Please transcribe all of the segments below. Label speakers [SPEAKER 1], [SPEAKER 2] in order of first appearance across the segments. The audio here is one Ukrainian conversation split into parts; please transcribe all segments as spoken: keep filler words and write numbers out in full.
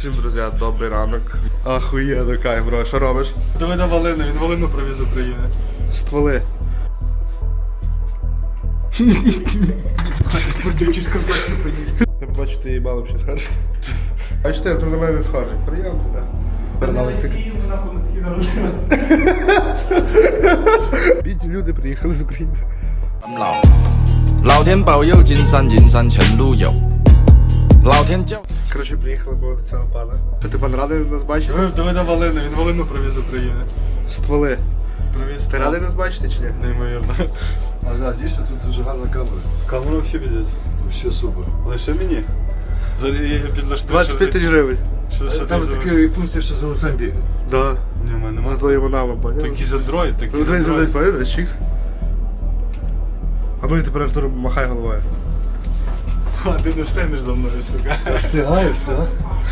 [SPEAKER 1] Всім, друзі, добрий ранок. Ахуєнно, кайф, бро. Що робиш?
[SPEAKER 2] Давай на Валину, він Валину привіз з України.
[SPEAKER 1] Стволи.
[SPEAKER 2] Спортивні шкарпетки приніс.
[SPEAKER 1] Я побачу, ти їбало взагалі схожий. Бачите, я тут на мене не схожий. Приємно тебе. Бідні люди приїхали з України.
[SPEAKER 3] 老天保佑，金山银山全路有。老天教。
[SPEAKER 1] Коротше, приїхали до цього пана. Що ти пан радий нас бачити?
[SPEAKER 2] Давай, давай на Валину, він Валину привіз з України.
[SPEAKER 1] Стволи.
[SPEAKER 2] Привіз.
[SPEAKER 1] Ти радий нас бачити чи ні?
[SPEAKER 2] Неймовірно.
[SPEAKER 4] А да, дійсно, тут дуже гарна камера.
[SPEAKER 2] Камера взагалі піде.
[SPEAKER 4] Все супер.
[SPEAKER 2] Лише мені. Зараз я підлаштую.
[SPEAKER 1] двадцять п'ять тисяч гривень.
[SPEAKER 2] Що, що
[SPEAKER 4] Там
[SPEAKER 2] ти за...
[SPEAKER 4] така функція, що за лицем бігає.
[SPEAKER 1] Да.
[SPEAKER 2] Ні, в мене
[SPEAKER 1] За
[SPEAKER 2] нема.
[SPEAKER 1] твоїм аналом, поняв?
[SPEAKER 2] Такий за андроїд, такий
[SPEAKER 1] Ну,
[SPEAKER 2] за
[SPEAKER 1] дивись, дивись,
[SPEAKER 2] андроїд.
[SPEAKER 1] поняв? Чікс. А ну і тепер Артур махай головою.
[SPEAKER 2] А, ти не встигнеш за мною, сука.
[SPEAKER 4] Встигає, встигає.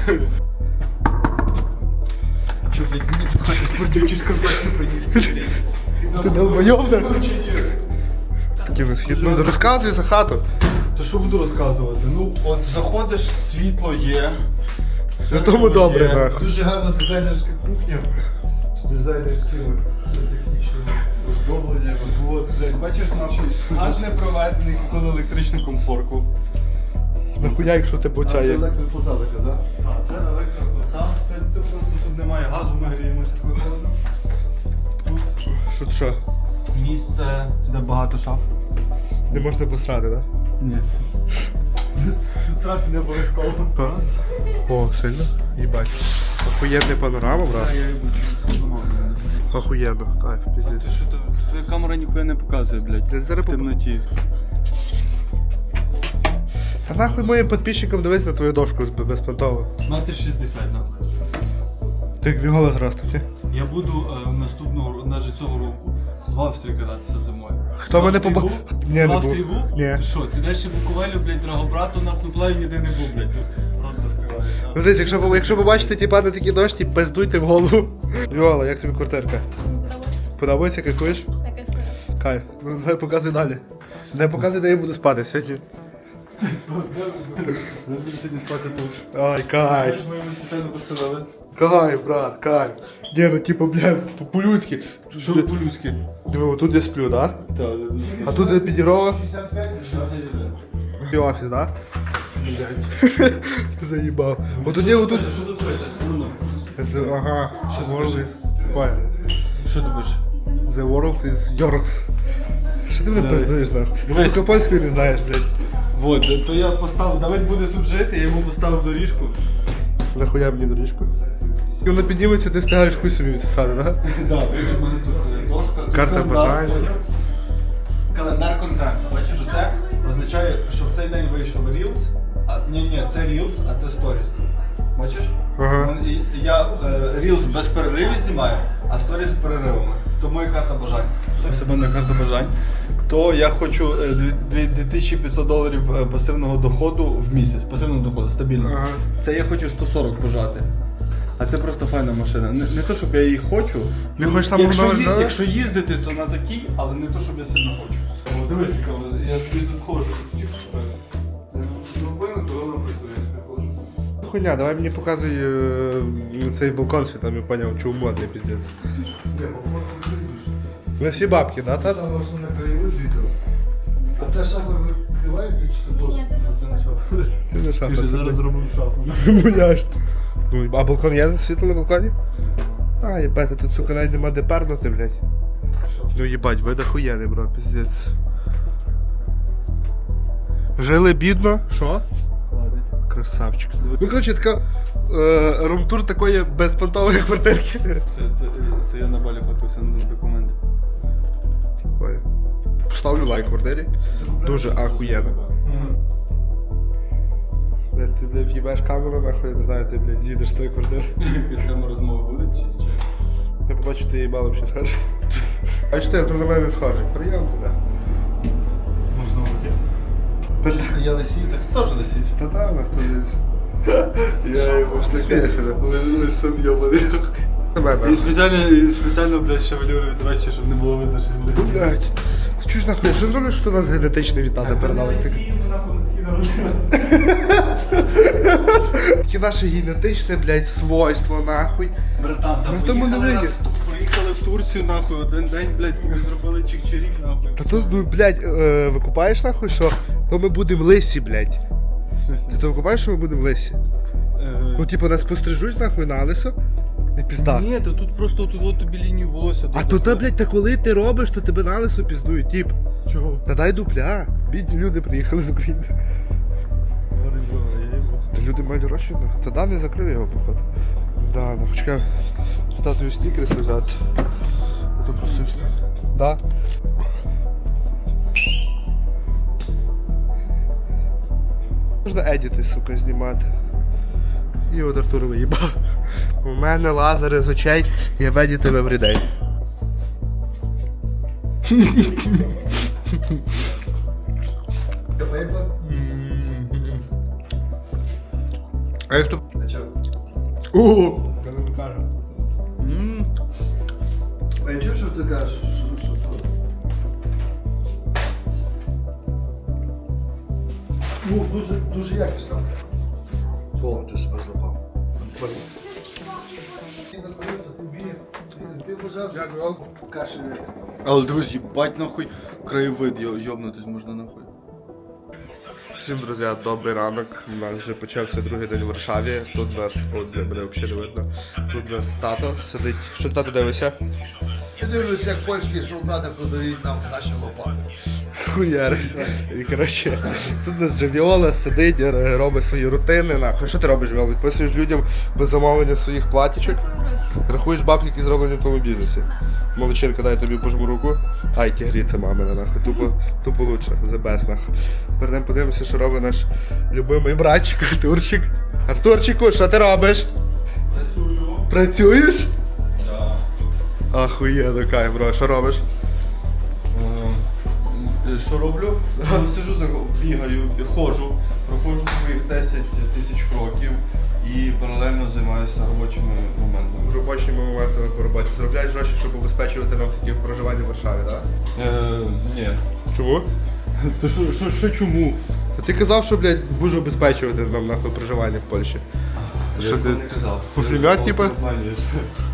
[SPEAKER 2] Що, блядь, мені пхати спортивні шкарпетки приніс?
[SPEAKER 1] Ти долбойов, да? Такий вихід. Ну, розказуй за хату.
[SPEAKER 2] То що буду розказувати? Ну, от заходиш, світло є.
[SPEAKER 1] На тому добре,
[SPEAKER 2] є.
[SPEAKER 1] нахуй.
[SPEAKER 4] Дуже гарна дизайнерська кухня з дизайнерськими сантехнічними оздобленнями.
[SPEAKER 2] От, блядь, бачиш, наш газ не проведений, коли електричну комфорку.
[SPEAKER 1] Нахуя, якщо тебе
[SPEAKER 4] А
[SPEAKER 1] оця
[SPEAKER 4] це
[SPEAKER 1] є.
[SPEAKER 4] електроплита така, так?
[SPEAKER 2] А, це електроплита. Це ти просто тут немає газу, ми гріємося виходимо.
[SPEAKER 1] Що ти що?
[SPEAKER 2] Місце, де багато шаф.
[SPEAKER 1] Не можна посрати, так?
[SPEAKER 2] Ні. Тут срати не обов'язково.
[SPEAKER 1] Да? О, сильно? Їбать. Охуєнна панорама, брат.
[SPEAKER 2] Я її буду.
[SPEAKER 1] Охуєнно, кайф, пиздець.
[SPEAKER 2] Ти що, то- твоя камера ніхуя не показує, блядь.
[SPEAKER 1] Блядь, зараз
[SPEAKER 2] В темноті.
[SPEAKER 1] Та нахуй моїм підписчикам дивись на твою дошку безпонтово.
[SPEAKER 2] Метр шістдесят, нахуй.
[SPEAKER 1] Ти як голос ростуть.
[SPEAKER 2] Я буду е, наступного, навіть цього року, два в стрій кататися зимою.
[SPEAKER 1] Хто
[SPEAKER 2] Два
[SPEAKER 1] мене
[SPEAKER 2] в стрій
[SPEAKER 1] поба-
[SPEAKER 2] був?
[SPEAKER 1] Ні, не
[SPEAKER 2] Два в
[SPEAKER 1] був.
[SPEAKER 2] стрій був?
[SPEAKER 1] Ні.
[SPEAKER 2] Ти що, ти далі Буковелю, блядь, Драгобрату, нахуй плавів ніде не був, блядь. Тут рот розкриваєш. нахуй.
[SPEAKER 1] Ну, дивись, якщо, ви- якщо ви бачите ті пани такі дощі, пиздуйте в голову. Льола, як тобі квартирка? Подобається, кайфуєш? Кайф. Ну давай показуй далі. Не показуй, де я буду спати сьогодні.
[SPEAKER 2] Я буду сьогодні спати тут.
[SPEAKER 1] Ай, кайф.
[SPEAKER 2] Ми йому спеціально постановили.
[SPEAKER 1] Кайф, брат, кайф. Ні, ну типу, блядь, по-людськи.
[SPEAKER 2] Що по-людськи?
[SPEAKER 1] Диви, отут я сплю, да?
[SPEAKER 2] Так,
[SPEAKER 1] А тут я підірова. І офіс, да? Заїбав. Отут є, отут.
[SPEAKER 2] Що тут пише? Ну, ну.
[SPEAKER 1] З- Ага.
[SPEAKER 2] Що
[SPEAKER 1] World
[SPEAKER 2] пише?
[SPEAKER 1] is- Ой.
[SPEAKER 2] Що ти пише?
[SPEAKER 1] The world is yours. Що ти мене
[SPEAKER 2] Давай.
[SPEAKER 1] пиздуєш, нахуй?
[SPEAKER 2] Дивись.
[SPEAKER 1] Тільки польською не знаєш, блядь.
[SPEAKER 2] Вот, то я поставив, Давид буде тут жити, я йому поставив доріжку.
[SPEAKER 1] Нахуя мені доріжку? І воно підніметься, ти встигаєш хуй собі відсосати, да?
[SPEAKER 2] Так, у мене тут дошка.
[SPEAKER 1] Карта
[SPEAKER 2] Календар,
[SPEAKER 1] бажань.
[SPEAKER 2] поняв? Календар контенту. Бачиш, оце означає, що в цей день вийшов Reels. А, ні, ні, це Reels, а це Stories. Бачиш?
[SPEAKER 1] Ага.
[SPEAKER 2] Мен- і- Я е, Reels без переривів знімаю, а Stories з переривами. То моя карта бажань. Так себе на карта бажань. То я хочу е, дві- дві тисячі п'ятсот доларів е, пасивного доходу в місяць. Пасивного доходу, стабільного.
[SPEAKER 1] Ага.
[SPEAKER 2] Це я хочу сто сорок пожати. А це просто файна машина. Не, не то, щоб я її хочу.
[SPEAKER 1] Не
[SPEAKER 2] Ну,
[SPEAKER 1] хочеш самого
[SPEAKER 2] якщо,
[SPEAKER 1] нового,
[SPEAKER 2] ї-
[SPEAKER 1] да?
[SPEAKER 2] якщо їздити, то на такій, але не то, щоб я сильно хочу. О, дивись, яка вона. Я собі тут ходжу. Зробили, то вона працює, я собі ходжу.
[SPEAKER 1] Хуйня, давай мені показуй е, цей балкон, що там я поняв, чому модний піздець. Не всі бабки, да, тата?
[SPEAKER 4] Саме основне краєвид відео. А це шафа відкривається чи ти просто?
[SPEAKER 2] Це не шафа.
[SPEAKER 1] Це не шафа.
[SPEAKER 2] Ти ж
[SPEAKER 1] це
[SPEAKER 2] зараз
[SPEAKER 1] не-
[SPEAKER 2] зробив шафу.
[SPEAKER 1] Муляж. Ну, а балкон є світло на балконі? А, їбать, тут, сука, навіть нема де пернути, блядь. Ну їбать, вид охуєнний, бро, піздець. Жили бідно, що?
[SPEAKER 2] Хладить.
[SPEAKER 1] Красавчик. Ну, коротше, така е, румтур такої безпонтової квартирки.
[SPEAKER 2] Це, це, це я на балі фотився на документи.
[SPEAKER 1] Ой. Поставлю лайк квартирі. Дуже ахуєнно. Блядь, ти, блядь, в'їбеш камеру, нахуй, я не знаю, ти, блядь, з'їдеш з тої квартири.
[SPEAKER 2] Якась там розмова буде чи чи?
[SPEAKER 1] Я побачу, ти їбало взагалі схожий. Бачите, я тут на мене не схожий. Приємно тебе.
[SPEAKER 2] Можна бути. А я лисію, так ти теж лисієш.
[SPEAKER 1] Та да, у нас тут десь. Я його все смієш.
[SPEAKER 2] Лисон йобаний. І спеціально, і спеціально, блядь, шевелюри відрощу, щоб не було видно, що він лисий.
[SPEAKER 1] Блядь. Чуєш нахуй, що зроблю, що у нас генетичний від тата передали?
[SPEAKER 2] Лисію, нахуй, на такі
[SPEAKER 1] Такі наше генетичне, блядь, свойство, нахуй.
[SPEAKER 2] Братан,
[SPEAKER 1] Ну,
[SPEAKER 2] там
[SPEAKER 1] тому
[SPEAKER 2] поїхали,
[SPEAKER 1] не
[SPEAKER 2] раз,
[SPEAKER 1] вийде.
[SPEAKER 2] поїхали в Турцію, нахуй, один день, блядь, ми зробили чик-чирік, нахуй.
[SPEAKER 1] Та тут, ну, блядь, е, викупаєш, нахуй, що то ми будемо лисі, блядь. Ти то викупаєш, що ми будемо лисі? Ну, типу, нас пострижуть, нахуй, на лисо. І пізда.
[SPEAKER 2] Ні, то тут просто тут от тобі лінію волосся.
[SPEAKER 1] А то, та, блядь, та коли ти робиш, то тебе на лисо піздують, тип.
[SPEAKER 2] Чого?
[SPEAKER 1] Та дай дупля. Бідні люди приїхали з України. Та люди мають гроші, да? Та да, не закрив його, походу. Да, ну, почекай. Тату снікерс, ребят. А то просто... Да. Можна едіти, сука, знімати. І от Артур виїбав. У мене лазери з очей, я в едіти в everyday.
[SPEAKER 4] Пейпер?
[SPEAKER 1] А як то...
[SPEAKER 4] А чого?
[SPEAKER 1] О!
[SPEAKER 4] Я не кажу. А я чув, що ти кажеш, що, що то? Ну, дуже, дуже якісно. О, ти себе злопав. Ти знаходився, ти біг, ти- ти бажав, як каші.
[SPEAKER 2] Але дивись, їбать нахуй, краєвид, йо- йобнутись можна нахуй.
[SPEAKER 1] Всім, друзі, добрий ранок. У нас вже почався другий день в Варшаві. Тут нас, от мене взагалі не видно. Тут нас тато сидить. Що тато дивишся?
[SPEAKER 4] Я дивлюсь, як польські солдати продають нам наші лопати.
[SPEAKER 1] Хуяр. І коротше, тут нас Джавіола сидить, е, робить свої рутини. Нахуй. Що ти робиш, Віол? Відписуєш людям без замовлення своїх платічок. Рахуєш бабки, які зроблені в твоєму бізнесі. Молодчинка, дай тобі пожму руку. Ай, тігрі, це мамина, нахуй. Тупо, тупо лучше, the best, нахуй. Перейдемо подивимося, що робить наш любимий братчик Артурчик. Артурчику, що ти робиш?
[SPEAKER 2] Працюю.
[SPEAKER 1] Працюєш?
[SPEAKER 2] Так.
[SPEAKER 1] Ахуєнно, кай, бро, що робиш?
[SPEAKER 2] Е, Що роблю? Ну, сижу, за- бігаю, ходжу, проходжу своїх десять тисяч кроків і паралельно займаюся робочими моментами.
[SPEAKER 1] Робочими моментами по роботі. Заробляєш гроші, щоб обезпечувати нам такі проживання в Варшаві, так?
[SPEAKER 2] Е, ні.
[SPEAKER 1] Чому?
[SPEAKER 2] То що, що, що чому?
[SPEAKER 1] Та ти казав, що, блядь, будеш обезпечувати нам нахуй проживання в Польщі.
[SPEAKER 2] Я
[SPEAKER 1] Що
[SPEAKER 2] такого
[SPEAKER 1] ти-
[SPEAKER 2] не казав.
[SPEAKER 1] фуфлемет,
[SPEAKER 2] Ти
[SPEAKER 1] типа?
[SPEAKER 2] обманюєш.